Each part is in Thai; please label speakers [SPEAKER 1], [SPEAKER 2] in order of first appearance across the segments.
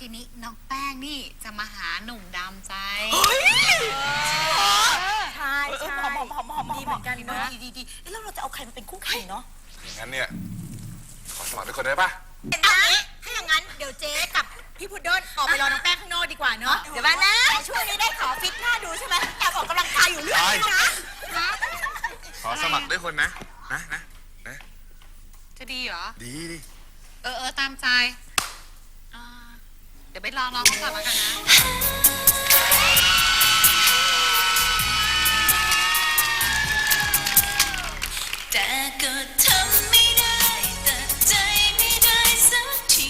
[SPEAKER 1] ทีนี้น้องแป้งนี่จะมาหาหนุ่มดำใจ
[SPEAKER 2] ใช่ใช่ดีเหมือนกันนะดีแล้วเราจะเอาใครมาเป็นคู่แข่งเนาะ
[SPEAKER 3] อย่างนั้นเนี่ยขอสมัครด้วยคนได้ปะ
[SPEAKER 2] ถ้าอย่างนั้นเดี๋ยวเจ๊กับพี่พุดเดิ้ลออกไปรอน้องแป้งข้างนอกดีกว่าเนาะเดี๋ยวมานะช่วงนี้ได้ขอฟิตหน้าดูใช่ไหมแอบออกกำลังกายอยู่เรื่อยนะ
[SPEAKER 3] ขอสมัครด้วยคนนะ
[SPEAKER 1] จะดีเหรอ
[SPEAKER 3] ดี
[SPEAKER 1] ตามใจเดี๋ยวไปลองเขาก่อนแล้วกันนะ
[SPEAKER 4] แต่ก็ทำไม่ได้แต่ใจไม่ได้สักที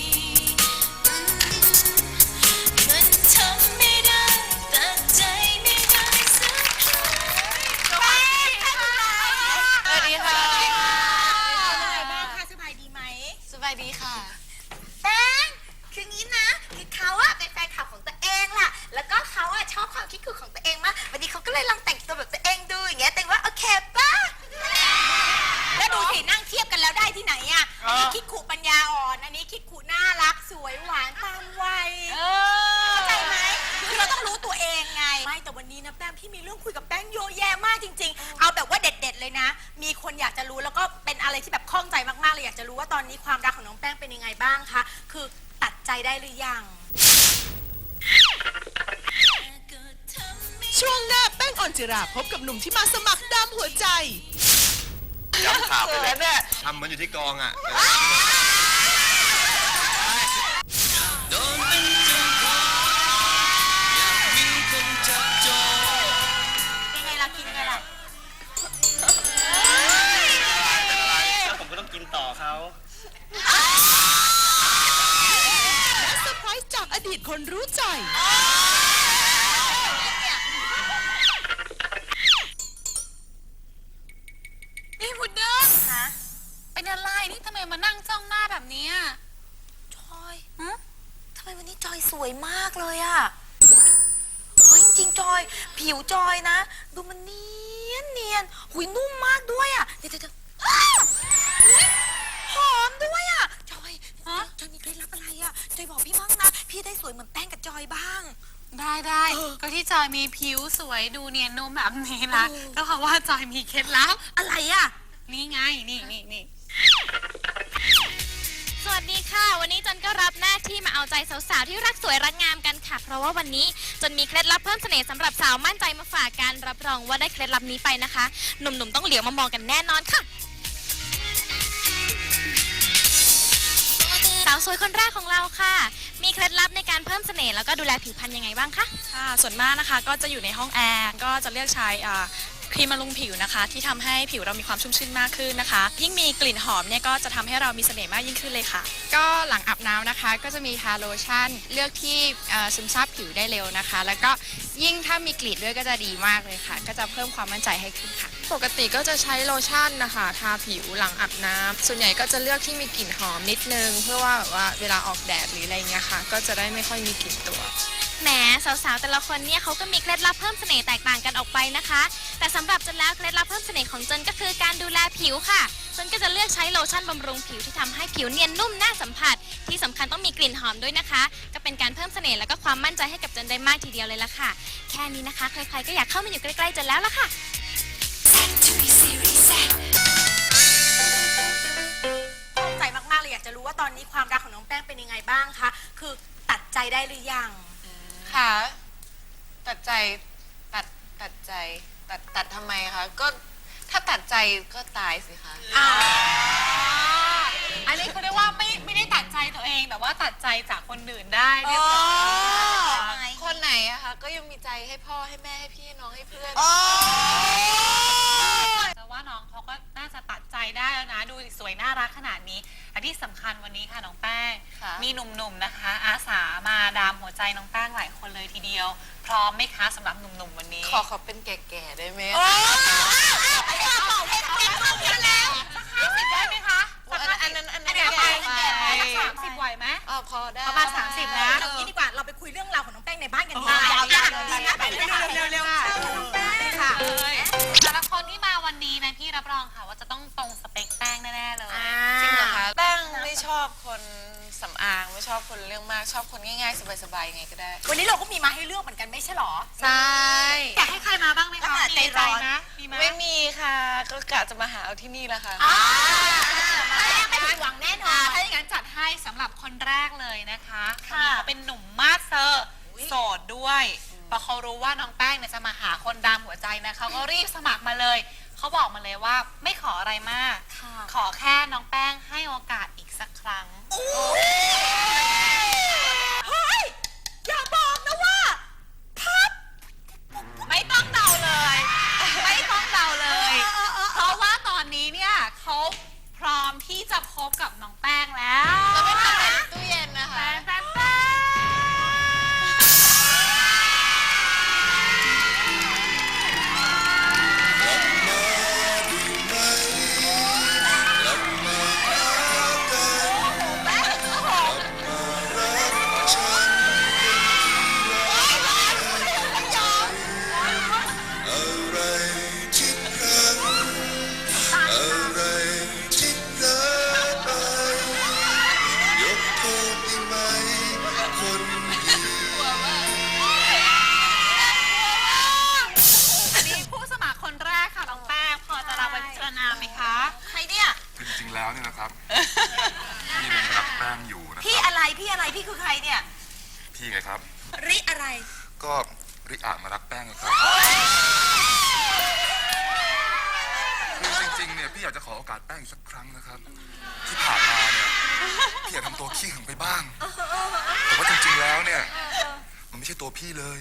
[SPEAKER 4] มันทำไม่ได้แต่ใจไม่ได้สักที
[SPEAKER 1] สวัสดีค่ะ
[SPEAKER 2] เป็นไงบ้างคะสบายดีไหม
[SPEAKER 1] สบายดีค่ะ
[SPEAKER 2] แป้งคืองี้นะคือเขาอะเป็นแฟนคลับของตัวเองล่ะแล้วก็เขาอะชอบความคิดของตัวเองมากวันนี้เขาก็เลยลองแต่งตัวแบบตัวเองดูอย่างเงี้ยแต่ว่าโอเคป่ะแล้วดูสินั่งเทียบกันแล้วได้ที่ไหนอะอันนี้คิดขู่ปัญญาอ่อนอันนี้คิดขู่น่ารักสวยหวานตามวัยเข้าใจไหมคือเราต้องรู้ตัวเองไงไม่แต่วันนี้นะแป้งพี่มีเรื่องคุยกับแป้งเยอะแยะมากจริงๆเอาแบบว่าเด็ดๆเลยนะมีคนอยากจะรู้แล้วก็เป็นอะไรที่แบบข้องใจมากๆเลยอยากจะรู้ว่าตอนนี้ความรักของน้องแป้งเป็นยังไงบ้างคะคือตัดใจได้หรือยัง
[SPEAKER 5] ช่วงหน้าแป้งออนจิราพบกับหนุ่มที่มาสมัครดำหัวใจ
[SPEAKER 3] ย้ำข่าวไปเลยทำเหมือนอยู่ที่กองอ่ะ
[SPEAKER 2] เป็นไงล่ะกินไงล่ะ
[SPEAKER 6] ผมก็ต้องกินต่อเขา
[SPEAKER 5] และเซอร์ไพรส์จากอดีตคนรู้ใจ
[SPEAKER 1] นี่พุดเดิ้ลเป็นอะไรนี่ทำไมมานั่งจ้องหน้าแบบนี้
[SPEAKER 2] จอยทำไมวันนี้จอยสวยมากเลยอะเฮ้ยจริงๆจอยผิวจอยนะดูมันเนียนหุยนุ่มมากด้วยอะเดี๋ยวหอมด้วยอะจอยมีเคล็ดลับอะไรอะจอยบอกพี่มั่งนะพี่ได้สวยเหมือนแป้งกับจอยบ้าง
[SPEAKER 1] ได้ก็ที่จอยมีผิวสวยดูเนียนนุ่มแบบนี้นะก็เพราะว่าจอยมีเคล็ดลับ
[SPEAKER 2] อะไรอะ
[SPEAKER 1] นี่ไงนี่
[SPEAKER 4] สวัสดีค่ะวันนี้จนก็รับหน้าที่มาเอาใจสาวๆที่รักสวยรักงามกันค่ะเพราะว่าวันนี้จนมีเคล็ดลับเพิ่มเสน่ห์สำหรับสาวมั่นใจมาฝากกันรับรองว่าได้เคล็ดลับนี้ไปนะคะหนุ่มๆต้องเหลียวมามองกันแน่นอนค่ะสาวสวยคนแรกของเราค่ะมีเคล็ดลับในการเพิ่มเสน่ห์แล้วก็ดูแลผิวพรรณยังไงบ้างคะ
[SPEAKER 7] ค่ะส่วนมากนะคะก็จะอยู่ในห้องแอร์ก็จะเลือกใช้ครีมบำรุงผิวนะคะที่ทำให้ผิวเรามีความชุ่มชื่นมากขึ้นนะคะยิ่งมีกลิ่นหอมเนี่ยก็จะทำให้เรามีเสน่ห์มากยิ่งขึ้นเลยค่ะ
[SPEAKER 8] ก็หลังอาบน้ำนะคะก็จะมีทาโลชั่นเลือกที่ซึมซาบผิวได้เร็วนะคะแล้วก็ยิ่งถ้ามีกลิ่นด้วยก็จะดีมากเลยค่ะก็จะเพิ่มความมั่นใจให้ขึ้นค่ะ
[SPEAKER 9] ปกติก็จะใช้โลชั่นนะคะทาผิวหลังอาบน้ำส่วนใหญ่ก็จะเลือกที่มีกลิ่นหอมนิดนึงเพื่อว่าแบบว่าเวลาออกแดดหรืออะไรเงี้ยค่ะก็จะได้ไม่ค่อยมีกลิ่นตัว
[SPEAKER 4] แหมสาวๆแต่ละคนเนี่ยเขาก็มีเคล็ดลับเพิ่มเสน่ห์แตกต่างกันออกไปนะคะแต่สำหรับจนแล้วเคล็ดลับเพิ่มเสน่ห์ของจนก็คือการดูแลผิวค่ะจนก็จะเลือกใช้โลชั่นบำรุงผิวที่ทำให้ผิวเนียนนุ่มน่าสัมผัสที่สำคัญต้องมีกลิ่นหอมด้วยนะคะก็เป็นการเพิ่มเสน่ห์แล้วก็ความมั่นใจให้กับจนได้มากทีเดียวเลยล่ะค่ะแค่นี้นะคะใครๆก็อยากเข้ามาอยู่ใกล้ๆจนแล้วล่ะค่ะ
[SPEAKER 2] ข้องใจมากๆเลยอยากจะรู้ว่าตอนนี้ความรักของน้องแป้งเป็นยังไงบ้างคะคือตัดใจได้หรือยัง
[SPEAKER 9] ค่ะตัดใจตัดทำไมคะก็ถ้าตัดใจก็ตายสิคะ
[SPEAKER 1] อันนี้เขาเรียกว่าไม่ได้ตัดใจตัวเองแต่ว่าตัดใจจากคนอื่นได้เรียบร้อย
[SPEAKER 9] คนไหนอะคะก็ยังมีใจให้พ่อให้แม่ให้พี่น้องให้เพื่อน
[SPEAKER 1] แต่ว่าน้องเขาก็น่าจะตัดใจได้แล้วนะดูสวยน่ารักขนาดนี้อันที่สำคัญวันนี้ค่ะน้องแป้งมีหนุ่มๆนะคะอาสามาดามหัวใจน้องแป้งหลายคนเลยทีเดียวพร้อมไหมคะสำหรับหนุ่มๆวันนี้
[SPEAKER 9] ขอเป็นแก่ๆได้ไหม
[SPEAKER 2] ไม่อยากบอกให้แก่เข้ามาแล้ว
[SPEAKER 1] 50ได้ไหมคะ
[SPEAKER 9] อันนั้น
[SPEAKER 1] แก่30ไหวไหม
[SPEAKER 9] พอได้
[SPEAKER 1] ประมาณ30นะ
[SPEAKER 2] อย่างนี้ดีกว่าเราไปคุยเรื่องราวของน้องแป้งในบ้านกันดีกว่าดีนะไปเร็วๆค่ะ
[SPEAKER 1] แต่ละคนที่มาวันนี้นะพี่รับรองค่ะว่าจะต้องตรงสเปคแป้งแน่ๆเลย
[SPEAKER 9] จริงเหรอคะแป้งไม่ชอบคน
[SPEAKER 10] สำอางไม่ชอบคนเรื่องมากชอบคนง่ายๆสบายๆยังไงก็ได้
[SPEAKER 2] วันนี้เราก็มีมาให้เลือกเหมือนกันไม่ใช่หรอ
[SPEAKER 10] ใช่
[SPEAKER 1] อยากให้ใครมาบ้างไหมคะ
[SPEAKER 2] ใจร้อน
[SPEAKER 1] นะมีไหม
[SPEAKER 10] ไม่มีค่ะก็กะจะมาหาเอาที่นี่แหละค่ะ
[SPEAKER 2] ไม่ผิดหวังแน่นอน
[SPEAKER 1] ถ้าอย่างนั้นจัดให้สำหรับคนแรกเลยนะคะคน
[SPEAKER 2] ค่ะ
[SPEAKER 1] นี้เขาเป็นหนุ่มมาสเซอร์โสดด้วยพอเขารู้ว่าน้องแป้งเนี่ยจะมาหาคนดำหัวใจนะเขาก็รีบสมัครมาเลยเขาบอกมาเลยว่าไม่ขออะไรมาก ขอแค่น้องแป้งให้โอกาสอีกสักครั้ง
[SPEAKER 2] เฮ้ย อย่าบอกนะว่าพับ
[SPEAKER 1] ไม่ต้องเดาเลย ไม่ต้องเดาเลย เพราะว่าตอนนี้เนี่ยเขาพร้อมที่จะพบกับน้องแป้งแล้ว
[SPEAKER 10] เราไม่ทำอะไรในตู้เย็นนะคะ
[SPEAKER 1] แป้งแป้งแป้อันนี้ผู้สมัครคนแรกค่ะน้องแป้งพอจะรับไปพิจารณาไหมคะ
[SPEAKER 2] ใครเนี่ย
[SPEAKER 3] จริงๆแล้วเนี่ยนะครับ พี่เนี่ยรักแป้งอยู่นะค
[SPEAKER 2] พี่
[SPEAKER 3] รับ
[SPEAKER 2] อะไร พี่อะไร พี่คือใครเนี่ย
[SPEAKER 3] พี่ไงครับ
[SPEAKER 2] ริอะไร
[SPEAKER 3] ก็ริอามารักแป้งไงครับคือจริงๆเนี่ยพี่อยากจะขอโอกาสแป้งอีกสักครั้งนะครับ ที่ผ่านมาเนี่ยพี่อยากทำตัวขี้หึงไปบ้าง แต่ว่าจริงๆแล้วเนี่ยมันไม่ใช่ตัวพี่เลย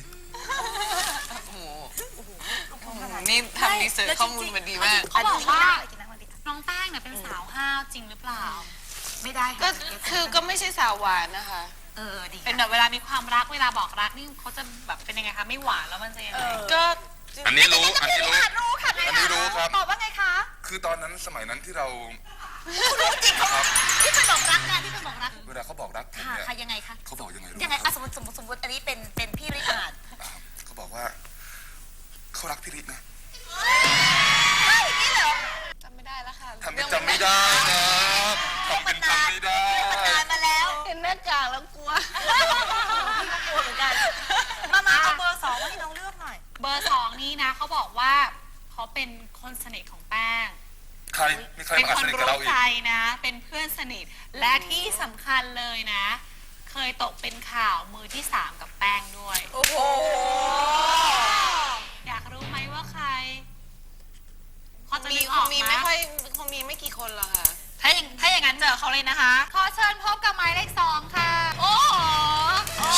[SPEAKER 10] นี่ทำรีเสิร์ชข้อมูลมาดีมาก
[SPEAKER 1] เขาบอกว่าน้องแป้งเนี่ยเป็นสาวห้าวจริงหรือเปล่า
[SPEAKER 2] ไม่ได้
[SPEAKER 10] ก็
[SPEAKER 2] ค่ะ
[SPEAKER 10] คือก็ไม่ใช่สาวหวานนะคะ
[SPEAKER 2] ดี
[SPEAKER 1] เป็นแบบเวลามีความรักเวลาบอกรักนี่เขาจะแบบเป็นยังไงคะไม่หวานแล้วมันจะยังไง
[SPEAKER 10] ก็
[SPEAKER 3] อันนี้รู้ อันนี้รู้
[SPEAKER 2] รู้ค่ะ
[SPEAKER 3] อันนี้รู้ครับ
[SPEAKER 2] ตอบว่าไงคะ
[SPEAKER 3] คือตอนนั้นสมัยนั้นที่เรา
[SPEAKER 2] คุณรู้จริงเขาที่เคยบอกรักนะที่เคยบอกรัก
[SPEAKER 3] เวลาเขาบอกรักผม
[SPEAKER 2] ค่ะ
[SPEAKER 3] เนี่ย
[SPEAKER 2] ค่ะยังไงคะ
[SPEAKER 3] เขาบอกยังไงรู้
[SPEAKER 2] ยังไง
[SPEAKER 3] ค
[SPEAKER 2] อ่ะ
[SPEAKER 3] รับ
[SPEAKER 2] สมมติอันนี้เป็นพี่ริอาด
[SPEAKER 3] เขาบอกว่าเขารักพี่รินะ
[SPEAKER 2] นี่เหรอ
[SPEAKER 10] จำไม่ได้แล้วค่ะ
[SPEAKER 3] ทำเป็นจำไม่ได้นะทำเป็นจำไม่ได้
[SPEAKER 2] นานมาแล้ว
[SPEAKER 10] เห็นหน้ากากแล้วกลัว
[SPEAKER 2] กลัวเหมือนกัน มาเอาเบอร์2มาให้น้องเลือกหน่อย
[SPEAKER 1] เบอร์สองนี้นะเขาบอกว่าเขาเป็นคนสนิทของแป้ง
[SPEAKER 3] ใครมีใคร
[SPEAKER 1] เป็น
[SPEAKER 3] มา
[SPEAKER 1] ค
[SPEAKER 3] ส
[SPEAKER 1] น
[SPEAKER 3] นิทกับ
[SPEAKER 1] รู้
[SPEAKER 3] เราอีก
[SPEAKER 1] ใจนะ เป็นเพื่อนสนิท และที่สำคัญเลยนะ เคยตกเป็นข่าวมือที่ 3 กับแป้งด้วย
[SPEAKER 10] โอ้โห
[SPEAKER 1] อยากรู้ไหมว่าใครพอจะ
[SPEAKER 10] มี
[SPEAKER 1] นึก
[SPEAKER 10] ค
[SPEAKER 1] ออง ก
[SPEAKER 10] มี
[SPEAKER 1] ไหม
[SPEAKER 10] ไม่ค่อยคงมีไม่กี่คนหรอกค่ะ
[SPEAKER 1] ถ้าอย่างนั้นเจอเขาเลยนะคะ ขอเชิญพบกับหมายเลข 2 ค่ะ โอ้โห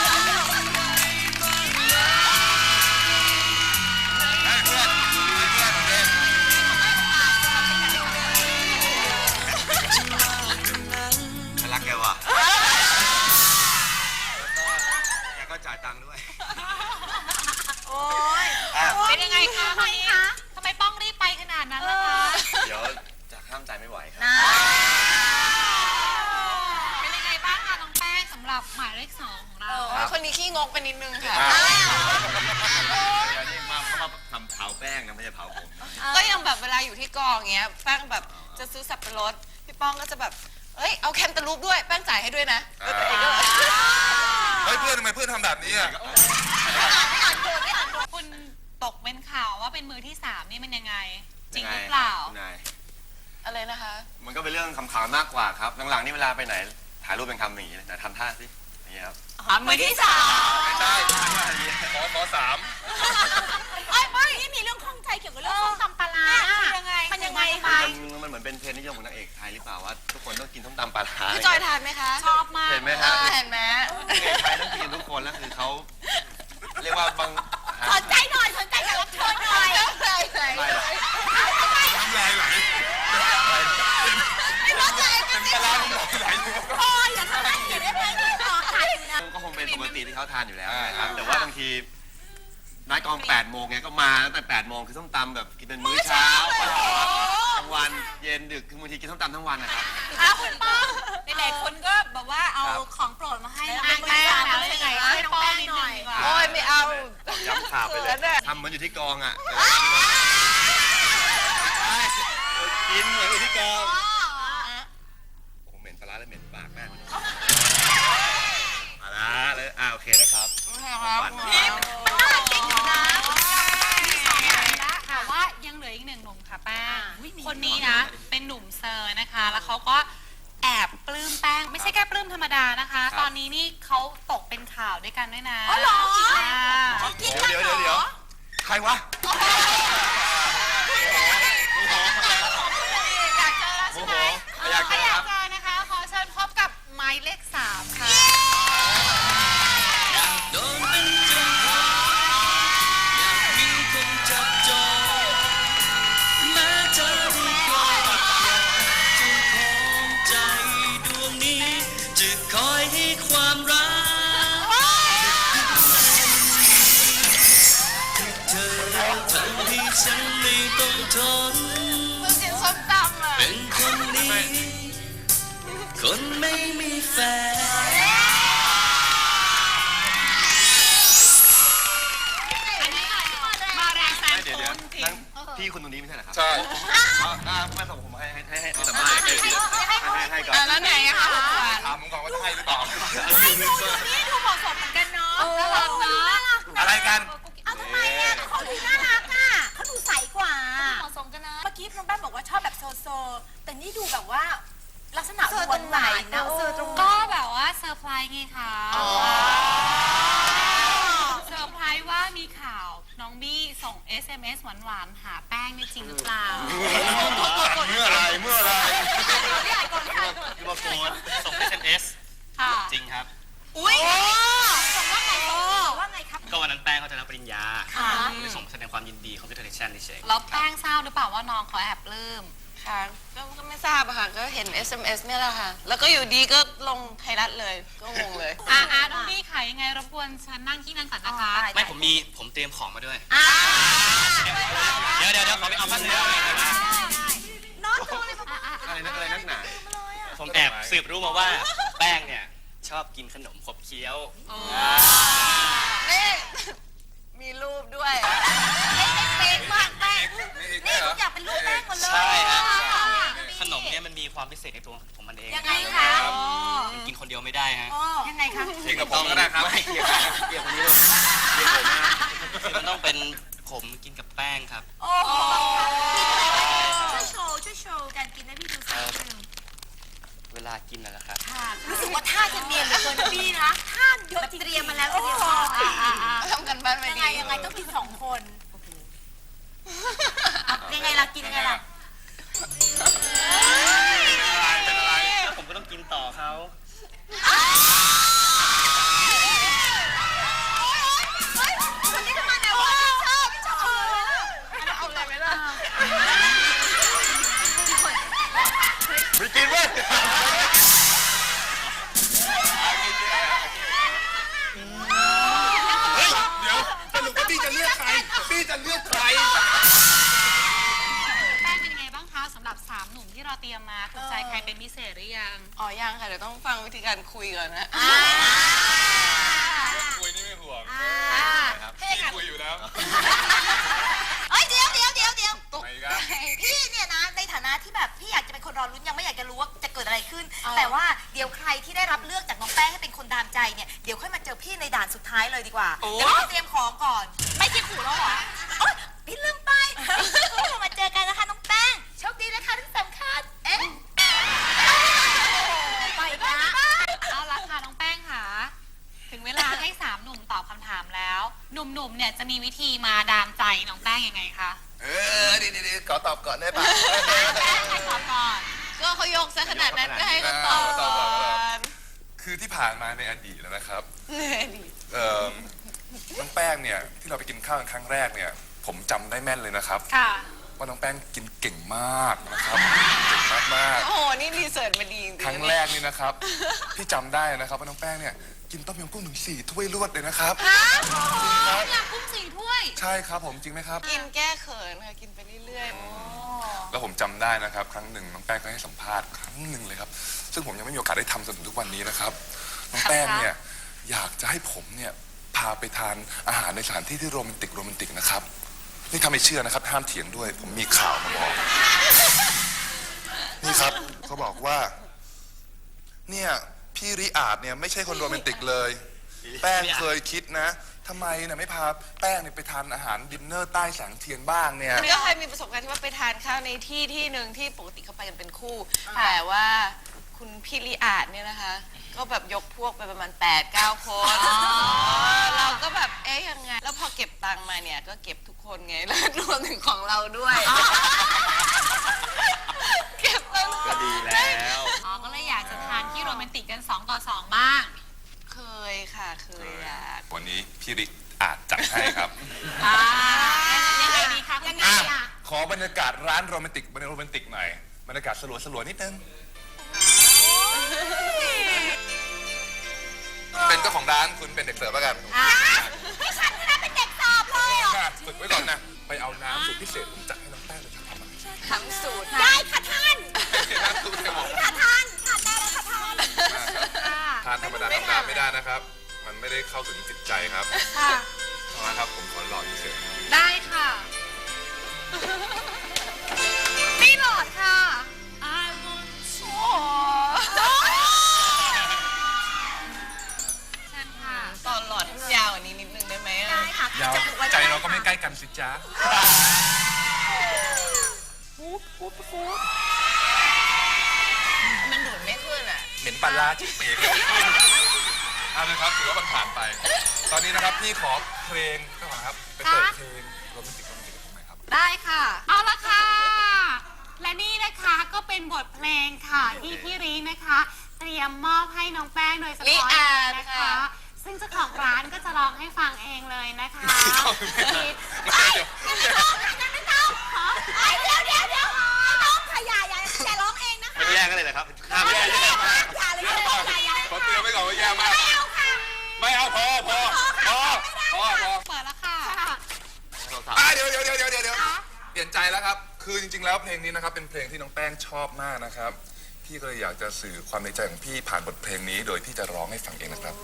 [SPEAKER 3] ให้เพื่อนให้เพื่อนเดิน
[SPEAKER 6] ฉันรักแกว่ะแกก็จ่ายตังค์ด้วย
[SPEAKER 2] โอ้ย
[SPEAKER 1] เป็นยังไงคะทำไมป้องรีบไปขนาดนั้นล่ะคะ
[SPEAKER 6] เดี๋ยวจะห้ามใจไม่ไหวครับ
[SPEAKER 1] เป็นยังไงบ้างคะน้องแป้งสำหรับหมายเลข 2 ของเรา
[SPEAKER 10] คนนี้ขี้งกไปนิดนึงค่ะ
[SPEAKER 6] เดี๋ยวนี่มาเขามาทำเผาแป้งนะไม่ใช่เผาผมนะ
[SPEAKER 10] ก็ยังแบบเวลาอยู่ที่กองเงี้ยแป้งแบบจะซื้อสับปะรดพี่ป้องก็จะแบบเอ้ยเอาแคนตาลูปด้วยแป้งจ่ายให้ด้วยนะแล้วตัวเองก็
[SPEAKER 3] เฮ้ยเพื่อนทำไมเพื่อนทำแบบนี้อ่ะ
[SPEAKER 1] คุณตกเป็นข่าวว่าเป็นมือที่ 3 นี่มันยังไง จริง
[SPEAKER 6] ยั
[SPEAKER 1] ห
[SPEAKER 6] ไ
[SPEAKER 1] รือเปล่า
[SPEAKER 6] คุณนาย
[SPEAKER 10] อะไรนะคะ
[SPEAKER 6] มันก็เป็นเรื่องคำขำมากกว่าครับ หลังๆนี่เวลาไปไหน ถ่ายรูปเป็นคำอย่างนี้เลยนะทำท่าสิอย่างนี้ครับ
[SPEAKER 1] มือที่
[SPEAKER 3] ไม่ใช่ขอสาม
[SPEAKER 2] ไม่นี่มีเรื่องข้องใจเกี่ยวกับเรื่องส้มตำปลาร้ายังไงมันยังไงคะ
[SPEAKER 6] มันเหมือนเป็นเทรนด์นิยมของนางเอกไทยหรือเปล่าว่าทุกคนต้องกินส้มตำปลาร้า
[SPEAKER 10] พี่จอยทานไหมคะ
[SPEAKER 1] ชอบมาก
[SPEAKER 6] เห็นไหม
[SPEAKER 10] เอ
[SPEAKER 6] ฮะ
[SPEAKER 10] อเห็นไหม
[SPEAKER 6] นางเอกไทยต้องกินทุกคนแล้วคือเขาเรียกว่าบาง
[SPEAKER 2] สนใจหน่อยสนใจกับรับเชิญหน่อย
[SPEAKER 10] ใช่ใช่
[SPEAKER 6] ไม่หรอก
[SPEAKER 3] น้ำลายไหลเป็นปลาร้าน้ำลายไหล
[SPEAKER 2] โอ้ยอย่าทำให้เสียได้ไหมต่อค่ะอยู่นะ
[SPEAKER 6] ก็คงเป็นปกติที่เขาทานอยู่แล้วนะครับแต่ว่าบางทีนัดกอง8 โมงไงก็มาตั้งแต่8 โมงคือส้มตำแบบกินเป็นมื้อเช้ากลางวันเย็นดึกคือบางทีกินส้มตำทั้งวันนะครับ
[SPEAKER 1] คุณป้องหลายๆคนก็แบบว่าเอาของโปรดมาให้น้องแป้งแล้วยังไงให้น้องแป้งนิดนึงดีกว่า
[SPEAKER 10] โอ้ยไม่เอา
[SPEAKER 6] ย้ำข่าวไปเลยทำเหมือนอยู่ที่กองอ่ะกินเหมือนอยู่ที่กองโอ้โหเหม็นปลาร้าและเหม็นปากแม่
[SPEAKER 1] แล้วเขาก็แอบปลื้มแป้งไม่ใช่แค่ปลื้มธรรมดานะคะ ตอนนี้นี่เขาตกเป็นข่าวด้วยกันด้วยนะ
[SPEAKER 2] อ๋อเหรอ
[SPEAKER 6] เดี๋ยวใครวะ
[SPEAKER 1] อยากเจอแล้วใช่ไหม
[SPEAKER 6] อยากเจอครับ
[SPEAKER 1] ถ้าอยากเจอนะคะ ขอเชิญพบกับหมายเลข 3 ค่ะ
[SPEAKER 11] โดนเป็นเจ้าของอยากมีคนจับจองแม้เธอที่คอยเจ้าของใจดวงนี้ จะคอยให้ความรักเธอทำให้ฉันไม่ต้องทนเป็นคนนี้ คนไม่มีแฟน
[SPEAKER 1] อันนี้มาแรงแซง
[SPEAKER 6] เดี๋ยว
[SPEAKER 1] คุณจริง
[SPEAKER 6] พี่คุณตรงนี้ไม่ใช่เหรอครับ
[SPEAKER 3] ใช่
[SPEAKER 6] ไม่ส่งผมให้สัมภาษณ์ให้ก่อน
[SPEAKER 10] แล้วไงอะคะ
[SPEAKER 3] ถามมึงก่อนว่าใช่หรือเปล่า
[SPEAKER 2] นี่ดูเหมาะสมเหมือนกันเนาะน่ารักเนาะ
[SPEAKER 6] อะไรกัน
[SPEAKER 2] เอาทำไมอ่ะเขาดูน่ารักอ่ะเขาดูใสกว่า
[SPEAKER 4] เหมาะสมกันนะ
[SPEAKER 2] เมื่อกี้น้องแป้งบอกว่าชอบแบบโซโซ แต่นี่ดูแบบว่าลักษณะหวานหวานนะเซอร์ตรง
[SPEAKER 1] ก็แบบว่าเซอร์ไพรส์ไงคะเซอร์ไพรส์ว่ามีข่าวน้องบี้ส่ง SMS หวานๆหาแป้งนี่จริงหรือเปล่า
[SPEAKER 6] เมื่อไร
[SPEAKER 11] คือมาโกนส่ง SMS
[SPEAKER 1] ค่ะ
[SPEAKER 11] จริงครับ
[SPEAKER 2] อุ้ยบอกว่าไงว่าไงครับ
[SPEAKER 11] ก็วันนั้นแป้งเขาจะรับปริญญา
[SPEAKER 2] ค่ะ
[SPEAKER 11] เลยส่งแสดงความยินดีคอมพิวเตอร์เนชั่นเฉย
[SPEAKER 1] แล้วแป้งทราบหรือเปล่าว่าน้องเขาแอบปลื้ม
[SPEAKER 10] ค่ะก็ไม่ทราบอะค่ะ ก็เห็น SMS เนี่ยแหละค่ะ แล้วก็อยู่ดีก็ลงไทยรัฐเลย ก็งงเลย
[SPEAKER 1] น้องบี้ขายยังไงรบกวนฉันนั่งที่นั่งก่อนนะคะ
[SPEAKER 11] ๆ ไม่ผมเตรียมของมาด้วย เดี๋ยวขอไปเอาผ้าเสื้อ
[SPEAKER 2] น้องดูเลย
[SPEAKER 6] อะไรนักหนา
[SPEAKER 11] ผมแอบสืบรู้มาว่าแป้งเนี่ยชอบกินขนมขบเคี้ยว
[SPEAKER 10] นี่ มีรูปด้วย
[SPEAKER 2] เป๊กมากแป้งนี่ทุกอย่างเป็นรูปแป้งหมดเลย
[SPEAKER 11] ใช่ฮะ ขนมเนี่ยมันมีความพิเศษในตัวของมันเอง
[SPEAKER 2] ยังไงคะ
[SPEAKER 11] มันกินคนเดียวไม่ได้ฮะ
[SPEAKER 2] ยังไงคะ
[SPEAKER 3] กินกับผมก็ได้ครับ
[SPEAKER 6] ไม่เกี่ยวกับนี้เลยเกี่ยวกับผมนะ
[SPEAKER 11] คือมันต้องเป็นผมกินกับแป้งครับ
[SPEAKER 2] โอ้โหช่วยโชว์การกินให้พี่ดูสักนิดนึง
[SPEAKER 11] เวลากินนะครับ
[SPEAKER 2] ค่ะรู้สึกว่าท่าจะเนียนเหลือเกินนะพี่นะท่าเยอะจริงๆเตรียมมาแล้วเตรียมมา
[SPEAKER 10] ทำกันบ้านมา
[SPEAKER 2] ยัง
[SPEAKER 10] ดี
[SPEAKER 2] ไงต้องกิน2 คนยังไงล่ะกินยังไงล่ะ
[SPEAKER 3] เป็นอะไร
[SPEAKER 11] ผมก็ต้องกินต่อเขา
[SPEAKER 2] คนนี้ทำไมเนี่ยว่าพี่ชอบ
[SPEAKER 10] เอาเลยไหมล่ะ
[SPEAKER 6] ไม่กินเว้ย
[SPEAKER 3] เฮ้ย เดี๋ยวสรุปว่าพี่จะเลือกใคร พี่จะเลือกใคร
[SPEAKER 1] แป้งเป็นยังไงบ้างคะสำหรับ3 หนุ่มที่เราเตรียมมาถูกใจใครเป็นพิเศษหรือยัง
[SPEAKER 10] อ๋อ ยังค่ะ เดี๋ยวต้องฟังวิธีการคุยก่อนนะ
[SPEAKER 3] คุยนี่ไม่ห่วง
[SPEAKER 2] พี่
[SPEAKER 3] พี่คุยอยู่แล้ว
[SPEAKER 2] เอ้ยเดี๋ยว
[SPEAKER 3] ไม่ครับ
[SPEAKER 2] พี่เนี่ยนะในฐานะที่แบบพี่อยากจะเป็นคนรอลุ้นยังไม่อยากจะรู้ว่าจะเกิดอะไรขึ้น แต่ว่าเดี๋ยวใครที่ได้รับเลือกจากน้องแป้งให้เป็นคนดามใจเนี่ยเดี๋ยวค่อยมาเจอพี่ในด่านสุดท้ายเลยดีกว่าเดี๋ยวพี่เตรียมของก่อน ไม่คิดขู่แล้วเหรอโอ๊ยพี่ลืมไปเรามาเจอกันนะคะน้องแป้งโชคดีนะคะที่สำคัญไปนะ
[SPEAKER 1] เอาละค่ะน้องแป้งค่ะ ถึงเวลาให้3 หนุ่มตอบคำถามแล้ว หนุ่มๆเนี่ยจะมีวิธีมาดามใจน้องแป้งยังไงคะ
[SPEAKER 3] ดีขอตอบก่อนได้ป่ะ
[SPEAKER 1] แป้งใครตอบก่อน
[SPEAKER 10] ก็เขายกซะขนาดนั้นก็ให้เขาตอบ
[SPEAKER 3] ตอบก่อน
[SPEAKER 10] น
[SPEAKER 3] คือที่ผ่านมาในอดีตแล้วนะครับ
[SPEAKER 10] เนี่ยดี
[SPEAKER 3] น้องแป้งเนี่ยที่เราไปกินข้าวกันครั้งแรกเนี่ย ผมจำได้แม่นเลยนะครับ
[SPEAKER 1] ค่ะ
[SPEAKER 3] ว่าน้องแป้งกินเก่งมากนะครับ เก่งมาก
[SPEAKER 10] โอ้โห นี่รีเสิร์ชมาดีจริง
[SPEAKER 3] ๆ
[SPEAKER 10] ๆ
[SPEAKER 3] ครั้งแรกนี่นะครับ พี่จำได้นะครับว่าน้องแป้งเนี่ยกินต้มยำกุ้งถึง4 ถ้วยรวดเลยนะครับ
[SPEAKER 1] อยากกุ้ง4 ถ้วย
[SPEAKER 3] ใช่ครับผมจริงไหมครับ
[SPEAKER 10] กินแก้เขินค่ะ กินไปเรื่อย
[SPEAKER 3] แล้วผมจำได้นะครับ ครั้งหนึ่งน้องแป้งก็ให้สัมภาษณ์ครั้งหนึ่งเลยครับ ซึ่งผมยังไม่มีโอกาสได้ทำจนถึงทุกวันนี้นะครับ น้องแป้งเนี่ยอยากจะให้ผมเนี่ยพาไปทานอาหารในสถานที่ที่โรแมนติกนะครับ นี่ถ้าไม่เชื่อนะครับห้ามเถียงด้วย ผมมีข่าวมาบอก นี่ครับเขาบอกว่า เนี่ยพี่ริอาดเนี่ยไม่ใช่คนโรแมนติกเลย แป้งเคยคิดนะทำไมเนี่ยไม่พาแป้งเนี่ยไปทานอาหารดินเนอร์ใต้แสงเทียนบ้างเนี่ย
[SPEAKER 10] ก็เคยมีประสบการณ์ที่ว่าไปทานข้าวในที่หนึ่งที่ปกติเขาไปกันเป็นคู่ แต่ว่าคุณพี่ลีอาดเนี่ยนะคะ ก็แบบยกพวกไปประมาณ 8-9 คนเราก็แบบเอ๊ยยังไง แล้วพอเก็บตังค์มาเนี่ยก็เก็บทุกคนไงแล้วรวมถึงของเราด้วย เก็บตังค์
[SPEAKER 6] ก็ดีแล้ว
[SPEAKER 1] อ๋อ ก็เลยอยากจะทานที่โรแมนติกกัน 2 ต่อ 2 บ้าง
[SPEAKER 10] เคยค่ะเคยอยาก
[SPEAKER 3] วันนี้พี่ริอาจจัดให้ครับ
[SPEAKER 1] ยังไงดีคะยังไง
[SPEAKER 3] อ่ะขอบรรยากาศร้านโรแมนติกหน่อยบรรยากาศสลัวๆนิดนึงเป็นเจ้าของร้านคุณเป็นเด็กเสิร์ฟแล้วกัน
[SPEAKER 2] ไม่ฉันก็ได้เป็นเด็กสอบเลยเหรอ
[SPEAKER 3] ค่ะฝึกไว้ก่อนนะไปเอาน้ำสูตรพิเศษผมจัดให้น้องแป้งเลยครับ
[SPEAKER 10] ทำสูตร
[SPEAKER 2] ได้ค่ะท่าน
[SPEAKER 3] น้ำสูตรจะบอก
[SPEAKER 2] ค่ะท่านทานได้เลยค่ะท่าน
[SPEAKER 3] ทานธรรมดาไม่ได้นะครับ มันไม่ได้เข้าถึงจิตใจครับ
[SPEAKER 1] ค่ะ
[SPEAKER 3] นะครับผมขอหล่อเฉย
[SPEAKER 1] ได้ค่ะนี่หลอดค่ะเชิญค่ะ
[SPEAKER 10] ตอนหลอดให้มันยาวกว่านี้นิดนึงได้ไหมอะ
[SPEAKER 2] ได้ค่ะ
[SPEAKER 3] ยาวใจเราก็ไม่ใกล้กันสิจ๊ะ
[SPEAKER 10] มันดูดไม่ขึ้นอ่ะ
[SPEAKER 3] เหม็นปลาร้าจิ๊กเป๋เลยเอาเลยครับถือว่ามันผ่านไป ตอนนี้นะครับพี่ขอเพลงก็ขอครับไปเปิดเพลงโรแมนติกผมหน่อยครับ
[SPEAKER 1] ได้ค่ะ เอาละค่ะ และนี่นะคะก็เป็นบทเพลงค่ะที่พี่รีนะคะ เตรียมมอบให้น้องแป้งโดยเฉ
[SPEAKER 10] ลิ
[SPEAKER 1] พาะ
[SPEAKER 10] อาด
[SPEAKER 1] นะคะ
[SPEAKER 10] ค่ะ
[SPEAKER 1] ซึ่งเจ้าของร้านก็จะร้องให้ฟังเองเลยนะคะ
[SPEAKER 2] เดี๋ยวน้องค่ะอย่าร้องเองนะคะ
[SPEAKER 6] มันแย่กันเลยเหรอครับห้าม
[SPEAKER 2] อ
[SPEAKER 6] แย่
[SPEAKER 2] ย่า
[SPEAKER 6] เลย
[SPEAKER 3] ขอเตือนไว้ก่อนว่าแย่มาก
[SPEAKER 2] ไม่เอาค่ะ
[SPEAKER 3] ไม่เอาพอเปิดแล้วค่ะเดี๋ยวเปลี่ยนใจแล้วครับ คือจริงๆแล้วเพลงนี้นะครับเป็นเพลงที่น้องแป้งชอบมากนะครับ พี่ก็เลยอยากจะสื่อความในใจของพี่ผ่านบทเพลงนี้โดยที่จะร้องให้ฟังเองนะครับ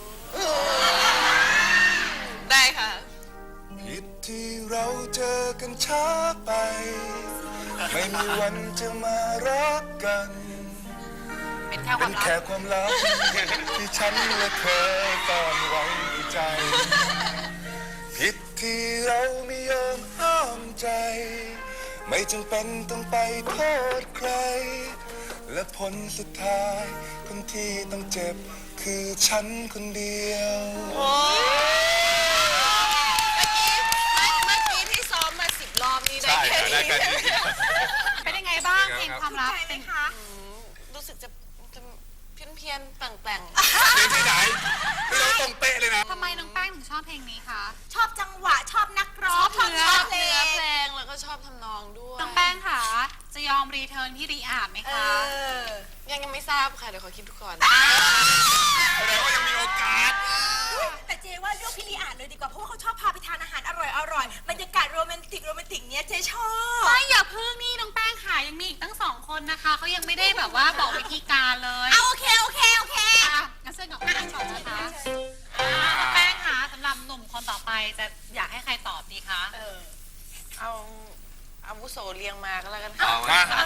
[SPEAKER 10] ได้ค่ะ
[SPEAKER 3] ผิดที่เราเจอกันช้าไป ไม่มีวันจะมารักกัน
[SPEAKER 1] เป็นแค่ค
[SPEAKER 3] เป็
[SPEAKER 1] วาม
[SPEAKER 3] น
[SPEAKER 1] รัก
[SPEAKER 3] แค่ความลับ ที่ฉันและเธอซ่อนไว้ในใจ ผิดที่เราไม่ยอมห้ามใจ ไม่จำเป็นต้องไปโทษใคร และผลสุดท้ายคนที่ต้องเจ็บคือฉันคนเดียว
[SPEAKER 10] เมื่อกี้ที่ซ้อมมา10 รอบนี่ได้แค่นี้
[SPEAKER 1] เป็นยังไงบ้างเพลงความรักเป็น
[SPEAKER 10] รู้สึกจะเพี้ยนๆแปลง
[SPEAKER 3] เพลงที่ไหนไม่ต้องตรงเป๊ะเลยนะ
[SPEAKER 1] ทำไมน้องแป้งถึงชอบเพลงนี้คะ
[SPEAKER 2] ชอบจังหวะชอบนักร้อง
[SPEAKER 1] ชอบเนื้อ
[SPEAKER 10] ๆเนื้อเพลงแล้วก็ชอบทำนองด้วย
[SPEAKER 1] น้องแป้งค่ะจะยอมรีเทิร์นพี่รีอาดไหมคะ
[SPEAKER 10] ยังไม่ทราบค่ะ เดี๋ยวขอคิดดูก่อน
[SPEAKER 3] แสดงว่ายังมีโอกาส
[SPEAKER 2] แต่เจว่าเลือกพี่ลีอ่านเลยดีกว่าเพราะว่าเขาชอบพาไปทานอาหารอร่อยบรรยากาศโรแมนติกเนี้ยเจชอบ
[SPEAKER 1] ไม่อย่าพึ่งนี่น้องแป้งค่ะยังมีอีกตั้ง2 คนนะคะเขายังไม่ได้แบบว่าบอกวิธีการเลย
[SPEAKER 2] โอเค
[SPEAKER 1] อ่ะงั้นเชิญกับแป้งก่อนนะคะแป้งค่ะสำหรับหนุ่มคนต่อไปจะอยากให้ใครตอบดีคะ
[SPEAKER 10] เอาอาวุโสเรียงมาก็แล้วกัน
[SPEAKER 6] เอา
[SPEAKER 10] ค่ะ
[SPEAKER 6] มา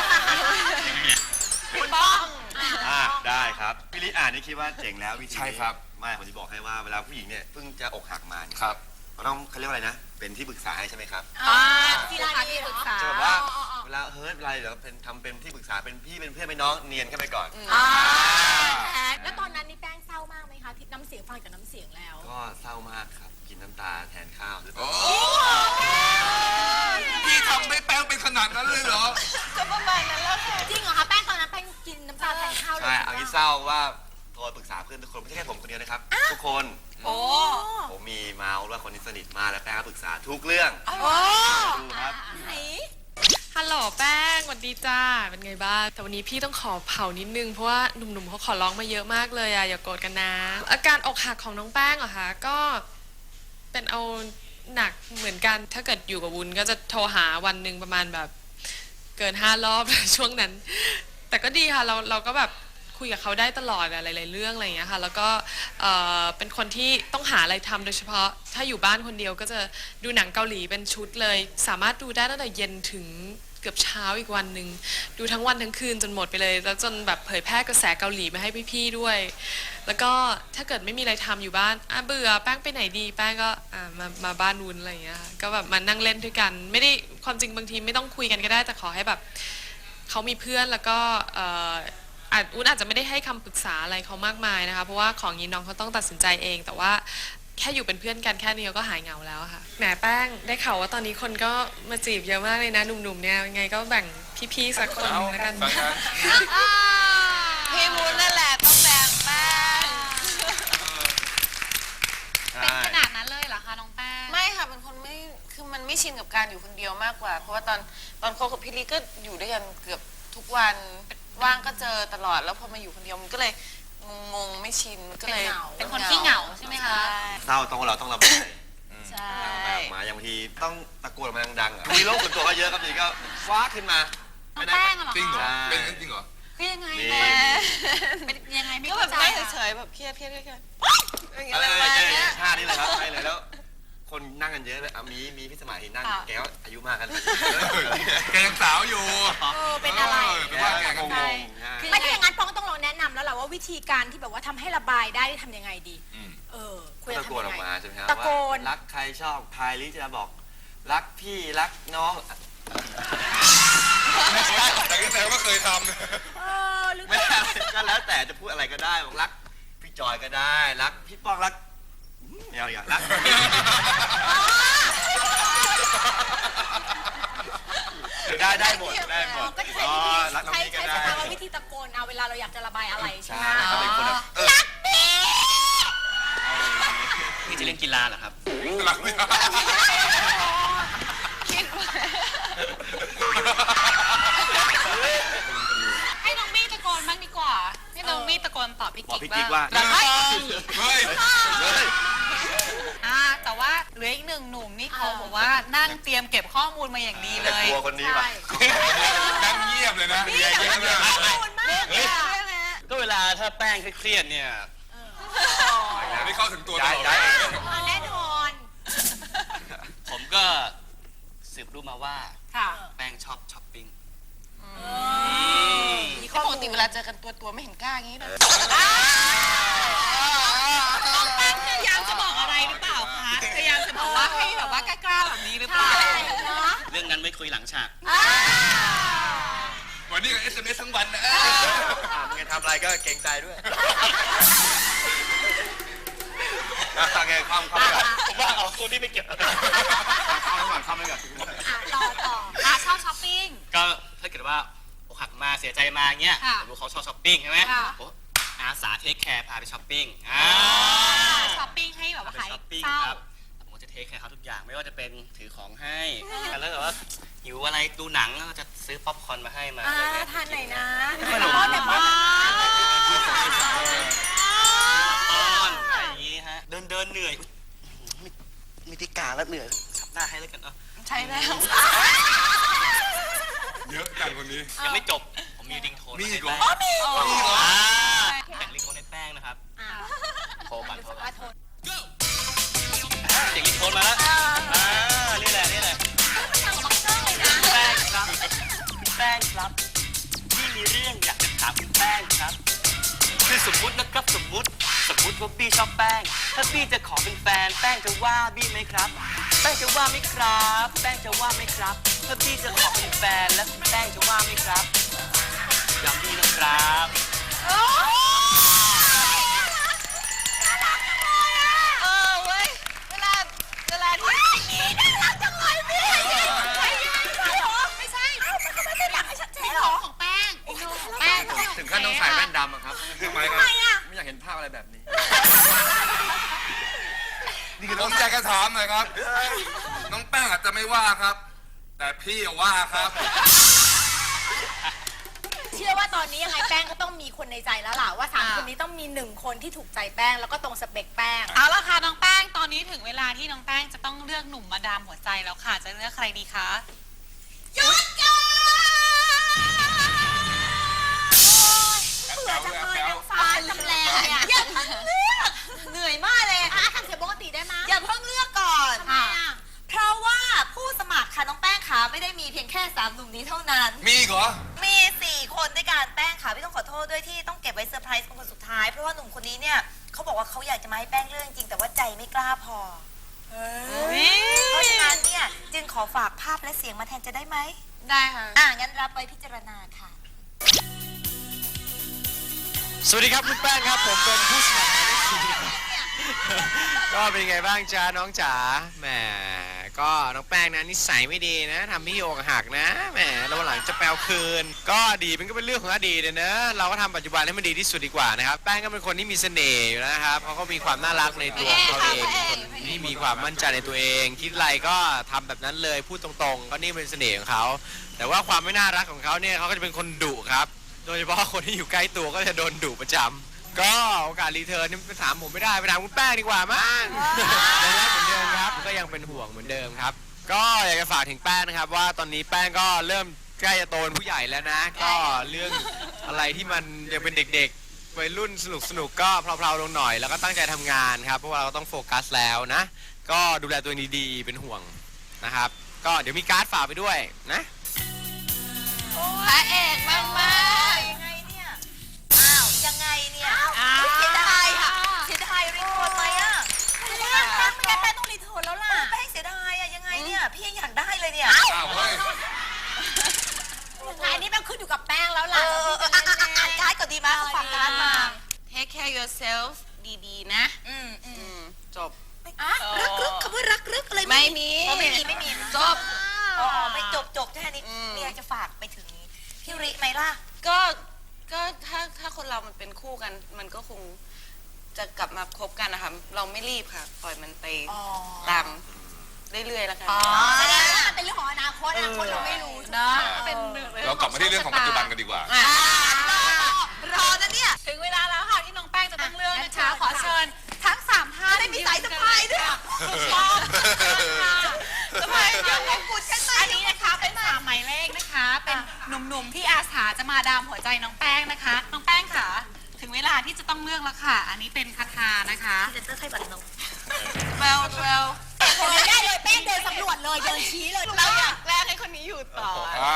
[SPEAKER 10] คุณบ้อง
[SPEAKER 6] ได้ครับพี่ลิอ่านนี่คิดว่าเจ๋งแล้ววิธีนี้
[SPEAKER 3] ใช่ครับ
[SPEAKER 6] ไม่ผมจะบอกให้ว่าเวลาผู้หญิงเนี่ยเพิ่งจะอกหักมาเนี่ย
[SPEAKER 3] ครับ
[SPEAKER 6] เราต้องเขาเรียกว่าอะไรนะ เป็นที่ปรึกษาให้ใช่ไหมครับ
[SPEAKER 1] ที่ร้านที่ปรึกษา
[SPEAKER 6] จะแบบว่าเวลาเฮ้ยเวลาเดี๋ยวทำเป็นที่ปรึกษาเป็นพี่เป็นเพื่อนเป็นน้องเนียนเข้าไปก่อน
[SPEAKER 2] แล้วตอนนั้นนี่แป้งเศร้ามากไหมคะที่น้ำเสียงฟังจากน้ำเสียงแล้ว
[SPEAKER 6] ก็เศร้ามากครับ กินน้ำตาแทนข้าวหรือเปล่า
[SPEAKER 3] พี่ทำให้แป้งเป็นขนาดนั้นเลยเหรอ
[SPEAKER 10] ก็ประมาณนั้นแล้วค่ะ
[SPEAKER 2] จริงเหรอคะแป้งตอนนั้นแป้งกินน้ำตาแทนข้าวเลย
[SPEAKER 6] ใช่เอางี้เศร้าว่าโทรปรึกษาเพื่อนทุกคนไม่ใช่แค่ผมคนเดียวนะครับ ทุกคน
[SPEAKER 10] โอ้
[SPEAKER 6] ผมมีเมาส์ว่าคนนี้สนิทมากแล้วแป้งก็ปรึกษาทุกเรื่อง
[SPEAKER 10] โอ้
[SPEAKER 6] ดูครับ
[SPEAKER 9] ฮัลโหลแป้งสวัสดีจ้า เป็นไงบ้าง แต่วันนี้พี่ต้องขอเผานิดนึง เพราะว่าหนุ่มๆเขาขอร้องมาเยอะมากเลยอะอย่าโกรธกันนะ อาการอกหักของน้องแป้งเหรอคะ ก็เป็นเอาหนักเหมือนกัน ถ้าเกิดอยู่กับวุ้นก็จะโทรหาวันหนึ่งประมาณแบบเกิน5 รอบ ช่วงนั้น แต่ก็ดีค่ะเราก็แบบคุยกับเขาได้ตลอดอะหลายๆเรื่องอะไรอย่างเงี้ยค่ะ แล้วก็เป็นคนที่ต้องหาอะไรทำโดยเฉพาะถ้าอยู่บ้านคนเดียวก็จะดูหนังเกาหลีเป็นชุดเลย สามารถดูได้ตั้งแต่เย็นถึงเกือบเช้าอีกวันหนึ่งดูทั้งวันทั้งคืนจนหมดไปเลย แล้วจนแบบเผยแพร่กระแสเกาหลีมาให้พี่ๆด้วย แล้วก็ถ้าเกิดไม่มีอะไรทำอยู่บ้านเบื่อแป้งไปไหนดีแป้งก็มาบ้านวุ้นอะไรอย่างเงี้ยค่ะก็แบบมานั่งเล่นด้วยกัน ไม่ได้ความจริงบางทีไม่ต้องคุยกันก็ได้แต่ขอให้แบบเขามีเพื่อนแล้วก็วุ้นอาจจะไม่ได้ให้คำปรึกษาอะไรเขามากมายนะคะเพราะว่าของนี้น้องเขาต้องตัดสินใจเอง แต่ว่าแค่อยู่เป็นเพื่อนกันแค่นี้ก็หายเหงาแล้วค่ะแหมแป้งได้ข่าวว่าตอนนี้คนก็มาจีบเยอะมากเลยนะหนุ่มๆเนี่ยยังไงก็แบ่งพี่ๆสักคนแล้วกัน
[SPEAKER 10] พี่วุ้นนั่นแหละต้องแบ่งแป้ง
[SPEAKER 1] เป็นขนาดนั้นเลยเหรอคะน้องแป้ง
[SPEAKER 10] ไม่ค่ะเป็นคนไม่คือมันไม่ชินกับการอยู่คนเดียวมากกว่า เพราะว่าตอนคบกับพี่ลิก็อยู่ด้วยกันเกือบทุกวันว่างก็เจอตลอดแล้วพอมาอยู่คนเดียวมันก็เลยงงไม่ชินก็เลย
[SPEAKER 1] เป็นคนขี้เหงาใช่ไหมคะ
[SPEAKER 6] เศร้าต้องเราต้องระบาย
[SPEAKER 10] ใช่
[SPEAKER 6] แบบมาอย่างบางทีต้องตะโกนออกมาดังๆอ่ะมีโรคส่วนตัวก็เยอะครับทีก็ฟ้าขึ้นมา
[SPEAKER 1] น้องแป้งเหรอ
[SPEAKER 3] จริงเหรอ
[SPEAKER 1] คะ
[SPEAKER 3] เป็นงั้นจริงเหรอ
[SPEAKER 1] คือยังไง
[SPEAKER 6] นี่
[SPEAKER 1] แป้งเป็นยังไงไม่
[SPEAKER 10] ก็แบ
[SPEAKER 1] เข้า
[SPEAKER 10] บ
[SPEAKER 1] ใจ
[SPEAKER 10] ไม่
[SPEAKER 1] อะ
[SPEAKER 10] เฉยๆแบบเครียดอย่างเงี้ย
[SPEAKER 6] อะไร
[SPEAKER 10] ประมาณ
[SPEAKER 6] ใช่
[SPEAKER 10] เนี้ย
[SPEAKER 6] ท่านี้เลยครับใช่เลยแล้ว คนนั่งกันเยอะเลยมีพี่สมัยนั่งแกก็อายุมากกัน
[SPEAKER 3] แกยังสาวอยู่
[SPEAKER 2] เป็นอะไร
[SPEAKER 3] เป็นว่าแกก็
[SPEAKER 6] ง
[SPEAKER 3] ง
[SPEAKER 6] ง
[SPEAKER 3] ง
[SPEAKER 2] ไม่ถ้าอย่างนั้นป้องต้องลองแนะนำแล้วแหละว่าวิธีการที่แบบว่าทำให้ระบายได้ทำยังไงดี ควรจะ
[SPEAKER 6] ตะโก
[SPEAKER 2] ทำ
[SPEAKER 6] น
[SPEAKER 2] ยั
[SPEAKER 6] อง อก
[SPEAKER 2] ไง
[SPEAKER 6] มาใช่ไหมครับ
[SPEAKER 2] ตะโกน
[SPEAKER 6] ว่ารักใครชอบใครหรือจะบอกรักพี่รักน้อง
[SPEAKER 3] แต่ก็แสดงว่าเคยท
[SPEAKER 2] หรือ
[SPEAKER 6] ไม่ได้ก็แล้วแต่จะพูดอะไรก็ได้บอกรักพี่จอยก็ได้รักพี่ป้องรักไม่เอาอีกอะรักได้หมดได้หมด
[SPEAKER 2] ก็จะใช้
[SPEAKER 6] อ๋อ
[SPEAKER 2] วิธี
[SPEAKER 6] รักน้อง
[SPEAKER 2] ใช้
[SPEAKER 6] นี่ก็
[SPEAKER 2] ใช้
[SPEAKER 6] ได้
[SPEAKER 2] สภาวะวิธีตะโกนเอาเวลาเราอยากจะระบายอะไรใช่ไหม
[SPEAKER 6] ใช่เขาเป็นคนแบบ
[SPEAKER 2] รักพี่
[SPEAKER 11] พี่จะเล่นกีฬาเหรอครับ
[SPEAKER 3] ำหลักไม่ได้
[SPEAKER 1] ให้น้องมี่ตะโกนบ้างดีกว่าให้น้องมี่ตะโกนตอบพี่
[SPEAKER 6] บอก
[SPEAKER 1] กิ๊
[SPEAKER 6] พี่
[SPEAKER 1] ก
[SPEAKER 6] กิ๊กว่า
[SPEAKER 1] บ้าง
[SPEAKER 3] เฮ้ย
[SPEAKER 1] แต่ว่าเหลืออีกหนึ่งหนุ่มนี่เขาบอกว่านั่งเตรียมเก็บข้อมูลมาอย่างดีเลย
[SPEAKER 6] กลัวคนนี้ป่ะ
[SPEAKER 3] นั่งเงียบเลยนะ
[SPEAKER 2] นี่อยากจะมีข้อมูลมากเลยอะ
[SPEAKER 11] ก็เวลาถ้าแป้งเครียดๆเนี่ย
[SPEAKER 3] ไม่เข้าถึงตัวตลอด
[SPEAKER 6] ย้าย
[SPEAKER 2] แน่นอน
[SPEAKER 11] ผมก็สืบรู้มาว่า
[SPEAKER 2] ค่ะ
[SPEAKER 11] แป้งชอบช้อปปิ้ง
[SPEAKER 2] มี
[SPEAKER 10] ป
[SPEAKER 2] ข้อก มูล
[SPEAKER 10] ติเวลาเจอกันตัวไม่เห็นกล้าอย่างนี้เลย
[SPEAKER 1] น้องแป้งพยายามจะบอกอะไรหรือเปล่าคะพยายามจะบอกว่าให้แบบว่ากล้าๆแบบนี้หรือเปล่า
[SPEAKER 11] เรื่องนั้นไม่คุยหลังฉาก
[SPEAKER 3] วันนี้ก็ SMS ทั้งวันนะ
[SPEAKER 6] มึงจะทำอะไรก็เกรงใจด้วยโอเคความก่อน
[SPEAKER 11] ผมว่าเอาตัวนี้ไปเก็บ
[SPEAKER 6] ความไปก่อน
[SPEAKER 2] ต่อ
[SPEAKER 1] ชอบช้อปปิ้ง
[SPEAKER 11] ก็ถ้าเกิดว่าอกหักมาเสียใจมาเงี้ย
[SPEAKER 1] ค่ะ
[SPEAKER 11] ผมรู้เขาชอบช้อปปิ้งใช่ไหม
[SPEAKER 1] ค่ะ
[SPEAKER 11] ผมอาสาเทคแคร์พาไปช้อปปิ้ง
[SPEAKER 1] ช้อปปิ้งให้แบบว่า
[SPEAKER 11] ไป
[SPEAKER 1] หาย
[SPEAKER 11] ช้อปปิ้ง
[SPEAKER 1] เศร้า
[SPEAKER 11] ครับผมก็จะเทคแคร์เขาทุกอย่างไม่ว่าจะเป็นถือของให้แล้วแบบว่าหิวอะไรดูหนังก็จะซื้อป๊อปคอร์นมาให้มาอะไรเงี้ย
[SPEAKER 2] ทานไหนนะ
[SPEAKER 11] ขนม
[SPEAKER 2] ป้อนแบบว่า
[SPEAKER 11] ป้อนอะไรอย่างงี้ฮะเดินเหนื่อยอุ๊ยไม่ได้การแล้วเหนื่อยทับหน้าให้แล้วกันเนาะ
[SPEAKER 10] ใช่แล้ว
[SPEAKER 3] เยอะจังคนนี้
[SPEAKER 11] ยังไม่จบผมมีริงโทน
[SPEAKER 3] มีอีกเหรอ
[SPEAKER 11] แต่งริงโทนให้แป้งนะครับโทรก่อนโทรก่อน
[SPEAKER 2] โทษ
[SPEAKER 11] เสียงริงโทนมาแล้วนี่แหละนี่แหละแป้งครับคุณแป้งครับพี่มีเรื่องอยากจะถามคุณแป้งครับคือสมมุตินะครับสมมุติว่าพี่ชอบแป้งถ้าพี่จะขอเป็นแฟนแป้งจะว่าพี่ไหมครับแป้งจะว่าไหมครับแป้งจะว่าไหมครับถ้าพี่จะขอเป็นแฟนแล้วคุณแป้งจะว่าไหมครับยอมพี่นะครับ
[SPEAKER 10] เว้ยเวลาที่
[SPEAKER 2] ไม่ใช่มันก็ไม่ได้หลักให้ชัดเจนหรอ
[SPEAKER 1] ของแป้งแป้ง
[SPEAKER 6] ถึงขั้นต้องใส่แว่นดำอะครับ
[SPEAKER 3] ทำไมครับ
[SPEAKER 6] ไม่อยากเห็นภาพอะไรแบบนี้
[SPEAKER 3] นี่คือผมอยากจะถามหน่อยครับ น้องแป้งอาจจะไม่ว่าครับ แต่พี่ว่าครับ
[SPEAKER 2] เชื่อว่าตอนนี้ยังไงแป้งก็ต้องมีคนในใจแล้วล่ะว่า3คนนี้ต้องมี1คนที่ถูกใจแป้งแล้วก็ตรงสเปคแป้ง
[SPEAKER 1] เอาละค่ะน้องแป้งตอนนี้ถึงเวลาที่น้องแป้งจะต้องเลือกหนุ่มมาดามหัวใจแล้วค่ะจะเลือกใครดีคะ
[SPEAKER 2] หยุดก่อนเบื่อจังเลยนางฟ้าจำแรงเนี่ยอย่าเพิ่งเลือกเหนื่อยมากเลยทำเสียงปกติได้ไหมอย่าเพิ่งเลือกก่อนเพราะว่าผู้สมัครค่ะน้องแป้งขาไม่ได้มีเพียงแค่3 หนุ่มนี้เท่าว้เซอร์ไพรส์คนสุดท้ายเพราะว่าหนุ่มคนนี้เนี่ยเขาบอกว่าเขาอยากจะมาให้แป้งเรื่องจริงแต่ว่าใจไม่กล้าพอเพราะฉะนั้นเนี่ยจึงขอฝากภาพและเสียงมาแทนจะได้ไหม
[SPEAKER 10] ได้ค่ะ
[SPEAKER 2] งั้นรับไว้พิจารณาค่ะ
[SPEAKER 12] สวัสดีครับคุณแป้งครับผมเป็นผู้สมัครหมายเลขสี่ก็เป็นไงบ้างจ้าน้องจ๋าแหมก็น้องแป้งนะนิสัยไม่ดีนะทำพี่อกหักนะแหมแล้ววันหลังจะแปลคืนก็อดีตมันก็เป็นเรื่องของอดีตนะเราก็ทำปัจจุบันให้มันดีที่สุดดีกว่านะครับแป้งก็เป็นคนที่มีเสน่ห์อยู่แล้วนะครับเขาก็มีความน่ารักในตัวของเขาเองเป็นคนที่มีความมั่นใจในตัวเองคิดอะไรก็ทำแบบนั้นเลยพูดตรงๆก็นี่เป็นเสน่ห์ของเขาแต่ว่าความไม่น่ารักของเขาเนี่ยเขาก็จะเป็นคนดุครับโดยเฉพาะคนที่อยู่ใกล้ตัวก็จะโดนดุประจำก็โอกาสรีเทิร์นนี่ไปถามผมไม่ได้ไปถามคุณแป้งดีกว่ามั้งยังรักเหมือนเดิมครับก็ยังเป็นห่วงเหมือนเดิมครับก็อยากจะฝากถึงแป้งนะครับว่าตอนนี้แป้งก็เริ่มใกล้จะโตเป็นผู้ใหญ่แล้วนะก็เรื่องอะไรที่มันยังเป็นเด็กๆวัยรุ่นสนุกก็เพลาๆลงหน่อยแล้วก็ตั้งใจทำงานครับเพราะว่าเราก็ต้องโฟกัสแล้วนะก็ดูแลตัวเองดีๆเป็นห่วงนะครับก็เดี๋ยวมีการ์ดฝากไปด้วยนะ
[SPEAKER 10] พระเอกมาก
[SPEAKER 2] ยังไงเนี่ยยังไงเนี่ยเสียดายค่ะเสียดายรีโทนไหมไม่งั้นแป้งต้องรีโทนแล้วล่ะแป้งเสียดายยังไงเนี่ยพี่ยังอยากได้เลยเนี่ย
[SPEAKER 3] เฮ้ย
[SPEAKER 2] อันนี้มันขึ้นอยู่กับแป้งแล้วล่ะอ่านการ์ดก่อนดีไหมฝากการ์ดมา
[SPEAKER 10] take care yourself ดีๆ นะจบ
[SPEAKER 2] รักคำว่ารักอะไร
[SPEAKER 10] ไม่มี
[SPEAKER 2] จบไม่จบแค่นี้มีอะไรจะฝากไปถึงพี่ริไหมล่ะ
[SPEAKER 10] ก็ถ้าคนเรามันเป็นคู่กัน มันก็คงจะกลับมาคบกันนะคะเราไม่รีบค่ะ ปล่อยมันไปตามเรื่อยๆแล้วกัน
[SPEAKER 2] แสดงว่ามันเป็นเรื่องของอนาคตเราไม่รู้นะ
[SPEAKER 3] เรากลับมาที่เรื่องของปัจจุบันกันดีกว่า
[SPEAKER 2] รอนะเนี่ย
[SPEAKER 1] ถึงเวลาแล้วค่ะที่น้องแป้งจะต้องเลือกนะคะขอเชิญทั้ง3ท่าน
[SPEAKER 2] ได้มีสายสะพายด้วย
[SPEAKER 1] สะพายยังมงกุฎกันอันนี้นะคะเป็น3หมายเลขนะคะ เป็นหนุ่มๆที่อาสาจะมาดามหัวใจน้องแป้งนะคะน้องแป้งค่ะถึงเวลาที่จะต้องเลือกแล้วค่ะ อันนี้เป็นคาถานะคะ
[SPEAKER 2] เซ็นเตอร์ไทยบัตรนก
[SPEAKER 10] well
[SPEAKER 2] ได้เลยแป้งเดินสำรวจเลยเดินชี้เลย
[SPEAKER 10] เราอยากแลกให้คนนี้อยู่ต่อ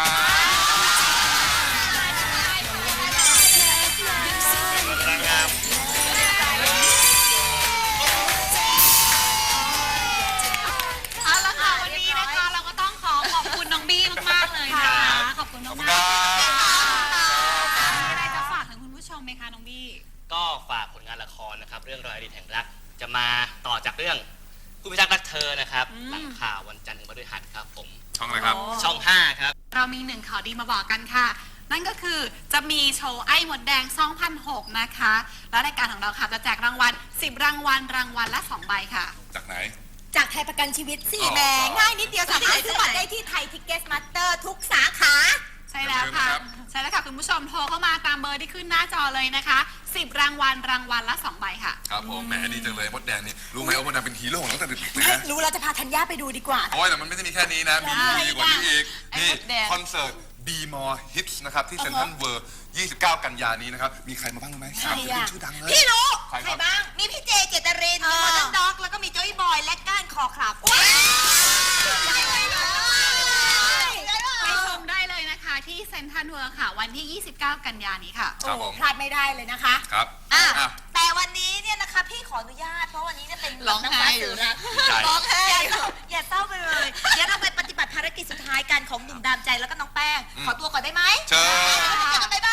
[SPEAKER 1] เอาละค่ะวันนี้นะคะเราก็ต้องขอบคุณน้องบี้มากๆเลยนะคะขอบคุณน้องบี้มีอะไรจะฝากถึงคุณผู้ชมไหมคะน้องบี้
[SPEAKER 13] ก็ฝากผลงานละครนะครับเรื่องรอยอดีตแห่งรักจะมาต่อจากเรื่องผู้พิทักษ์รักเธอนะครับหลังข่าววันจันทร์ถึงพฤหัสครับผม
[SPEAKER 3] ช่องอะไรครับ
[SPEAKER 13] ช่อง 5 ครับ
[SPEAKER 1] เรามี1ข่าวดีมาบอกกันค่ะ นั่นก็คือจะมีโชว์ไอ้หมดแดง 2006 นะคะ แล้วรายการของเราค่ะจะแจกรางวัล10 รางวัลรางวัลละ2 ใบค่ะ
[SPEAKER 3] จากไหน
[SPEAKER 2] จากไทยประกันชีวิตสิแหมง่ายนิดเดียวสามารถซื้อบัตรได้ที่ไทยทิกเก็ตมาสเตอร์ทุกสาขา
[SPEAKER 1] ใช่แล้วค่ะ ใช่แล้วค่ะคุณผู้ชมโทรเข้ามาตามเบอร์ที่ขึ้นหน้าจอเลยนะคะ10 รางวัลรางวัลละ2 ใบค่ะ
[SPEAKER 3] ครับผมแหมดีจังเลยมดแดงนี่รู้ไหมว่ามดแดงเป็นฮีโร่ของตั้งแต่เด็กๆเลยนะ
[SPEAKER 2] รู้เราจะพาธัญญาไปดูดีกว่า
[SPEAKER 3] โอ้ยแต่มันไม่ได้มีแค่นี้นะมีกว่านี้อีกนี่
[SPEAKER 10] ไอ้มดแดง
[SPEAKER 3] คอนเสิร์ต B More Hits นะครับที่เซ็นทรัลเวิลด์29 กันยานี้นะครับมีใครมาบ้างรู้ไหมสามศิลปินชื่อดังเลย
[SPEAKER 2] พี่รู้
[SPEAKER 3] ใคร
[SPEAKER 2] ใค
[SPEAKER 3] ค
[SPEAKER 2] ร
[SPEAKER 3] รับ
[SPEAKER 2] บ้าง มีพี่เจเจตริน มีมอเตอร์ด็อก แล้วก็มีโจ้ยบอยและก้านคอครับ
[SPEAKER 1] ไปชมได้เลยนะคะที่เซ็นทรัลเวิลด์ค่ะ วันที่ 29 กันยานี้ค่ะ
[SPEAKER 3] ครับผม
[SPEAKER 2] พลาดไม่ได้เลยนะคะ
[SPEAKER 3] ครับ
[SPEAKER 2] แต่วันนี้เนี่ยนะคะพี่ขออนุญาตเพราะวันนี้เนี่ยเป็น
[SPEAKER 10] ร้องไห้อยู่
[SPEAKER 2] นะร้องไห้อย่าเศร้าไปเลยเดี๋ยวเราไปปฏิบัติภารกิจสุดท้ายกันของหนุ่มดามใจแล้วก็น้องแป้ง ขอตัวก่อนได้ไหม
[SPEAKER 3] เชิญ
[SPEAKER 2] เจอกัน